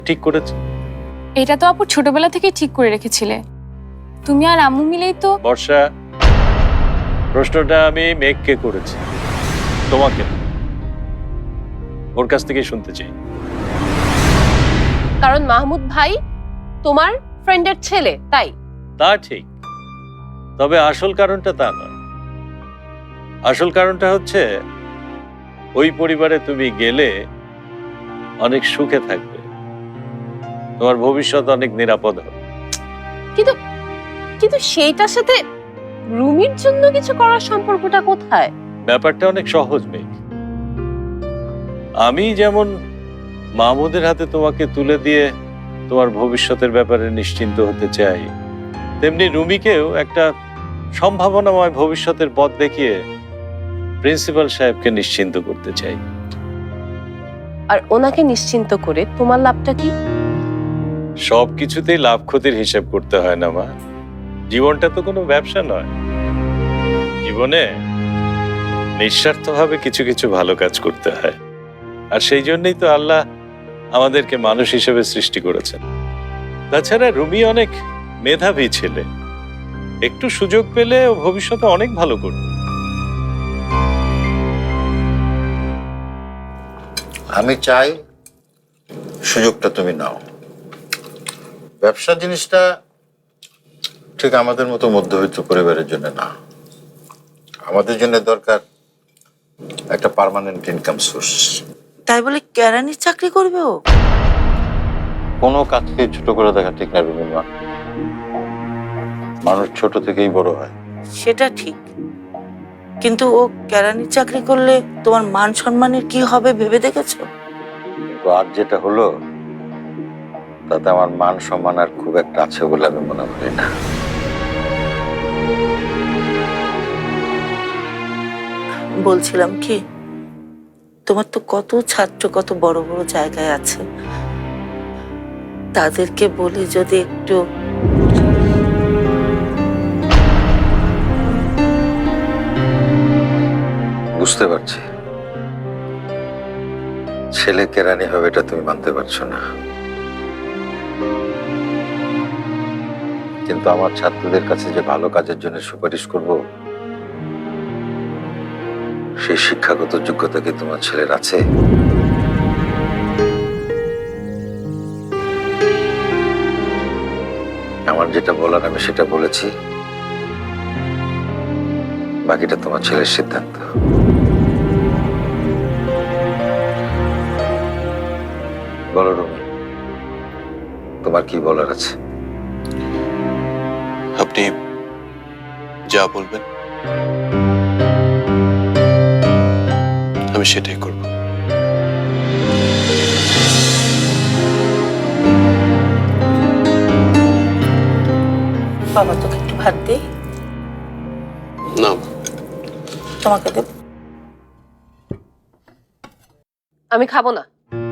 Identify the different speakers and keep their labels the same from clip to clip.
Speaker 1: ঠিক করেছে?
Speaker 2: এটা তো আপু ছোটবেলা থেকে ঠিক করে রেখেছিলে। তুমি আর আম্মু মিলেই তো।
Speaker 1: বর্ষা, প্রশ্নটা আমি মেঘকে করেছি, তোমাকে না। ওর কাছ থেকে শুনতে চাই।
Speaker 3: কারণ মাহমুদ ভাই তোমার ফ্রেন্ডের ছেলে, তাই?
Speaker 1: তা ঠিক, তবে আসল কারণটা তা নয়। আসল কারণটা হচ্ছে ওই পরিবারে তুমি গেলে অনেক সুখে থাকবে, তোমার ভবিষ্যৎ অনেক নিরাপদ হবে।
Speaker 3: কিন্তু কিন্তু সেইটার সাথে রুমির জন্য কিছু করার সম্পর্কটা কোথায়?
Speaker 1: ব্যাপারটা অনেক সহজ মেঘ। আমি যেমন মাহমুদের হাতে তোমাকে তুলে দিয়ে তোমার ভবিষ্যতের ব্যাপারে নিশ্চিন্ত হতে চাই, তেমনি রুমিকেও একটা সম্ভাবনাময় ভবিষ্যতের পথ দেখিয়ে প্রিন্সিপাল সাহেবকে নিশ্চিন্ত করতে চাই।
Speaker 3: আর ওনাকে নিশ্চিন্ত করে তোমার লাভটা কি?
Speaker 1: সবকিছুতেই লাভ ক্ষতির হিসাব করতে হয় না মা। জীবনটা তো কোনো ব্যবসা নয়। জীবনে নিঃস্বার্থভাবে কিছু কিছু ভালো কাজ করতে হয়, আর সেই জন্যই তো আল্লাহ আমাদেরকে মানুষ হিসেবে সৃষ্টি করেছেন। তাছাড়া রুমি অনেক মেধাবী ছেলে, একটু সুযোগ পেলে ও ভবিষ্যতে অনেক ভালো করবে।
Speaker 4: আমি চাই সুযোগটা তুমি নাও। ব্যবসা জিনিসটা ঠিক আমাদের মতো মধ্যবিত্ত পরিবারের জন্য না। আমাদের জন্য দরকার একটা পার্মানেন্ট ইনকাম সোর্স।
Speaker 5: তাই বলে কেরানির চাকরি করবে ও?
Speaker 4: কোনো কাজকে ছোট করে দেখা ঠিক না রুমিমা। মানুষ ছোট থেকেই বড় হয়।
Speaker 5: সেটা ঠিক, কিন্তু ও কেরানির চাকরি করলে তোমার মান সম্মানের কি হবে ভেবে দেখেছো?
Speaker 4: তো আর যেটা হলো তাতে আমার মান সম্মান আর খুব একটা আছে বলে আমি মনে করি না।
Speaker 5: বলছিলাম কি, তোমার তো কত ছাত্র কত বড় বড় জায়গায় আছে, তাদেরকে বলে যদি একটু
Speaker 4: বুঝতে পারছি ছেলে কেরানি হবে, এটা তুমি মানতে পারছো না, কিন্তু আমার ছাত্রদের কাছে যে ভালো কাজের জন্য সুপারিশ করব সেই শিক্ষাগত যোগ্যতা কি তোমার ছেলের আছে? আমার যেটা বলার আমি সেটা বলেছি, বাকিটা তোমার ছেলের সিদ্ধান্ত। বলো রুমি, তোমার কি বলার আছে?
Speaker 6: আপনি যা বলবেন আমি সেটাই করব।
Speaker 5: বাবা তোকে একটু ভাত দিই।
Speaker 6: না,
Speaker 5: তোমাকে দেব।
Speaker 3: আমি খাবো না।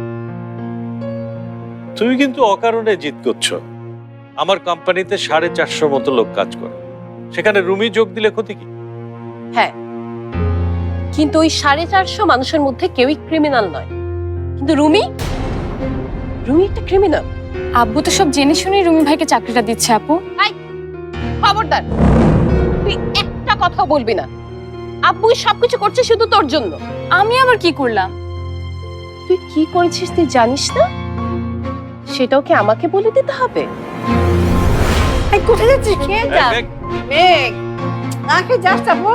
Speaker 1: তুমি কিন্তু অকারণে জিদ করছো। আমার কোম্পানিতে 450 মতো লোক কাজ করে, সেখানে রুমি যোগ দিলে ক্ষতি কি?
Speaker 3: হ্যাঁ, কিন্তু ওই 450 মানুষের মধ্যে কেউই ক্রিমিনাল নয়, কিন্তু রুমি একটা ক্রিমিনাল।
Speaker 2: আব্বু তো সব জেনে শুনেই রুমি ভাইকে চাকরিটা দিচ্ছে আপু।
Speaker 3: খবরদার, তুই একটা কথা বলবি না। আব্বু সবকিছু করছে শুধু তোর জন্য।
Speaker 2: আমি আবার কি করলাম?
Speaker 3: তুই কি করেছিস তুই জানিস না? সেটাও কি আমাকে বলে দিতে হবে?
Speaker 5: কোথায় যাচ্ছিস? খেয়ে যা। মেঘ, না খেয়ে যাস যাবো।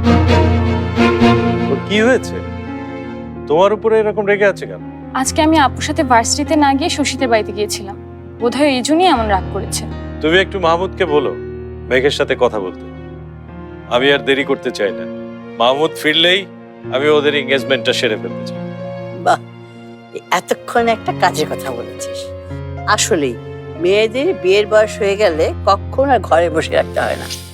Speaker 1: ওর কি হয়েছে? তোমার উপরে এরকম রেগে আছে কেন?
Speaker 2: আজকে আমি আপুর সাথে ভার্সিটিতে না গিয়ে শশীদের বাড়িতে গিয়েছিলাম, বোধহয় এই জন্যই এমন রাগ করেছে।
Speaker 1: তুমি একটু মাহমুদকে বলো মেঘের সাথে কথা বলতে। আমি আর দেরি করতে চাই না। মাহমুদ ফিরলেই আমি ওদের এঙ্গেজমেন্টটা সেরে ফেলতে চাই।
Speaker 7: বাহ, এতক্ষণ একটা কাজের কথা বলেছিস। আসলেই মেয়েদের বিয়ের বয়স হয়ে গেলে কখন আর ঘরে বসে রাখতে হয় না।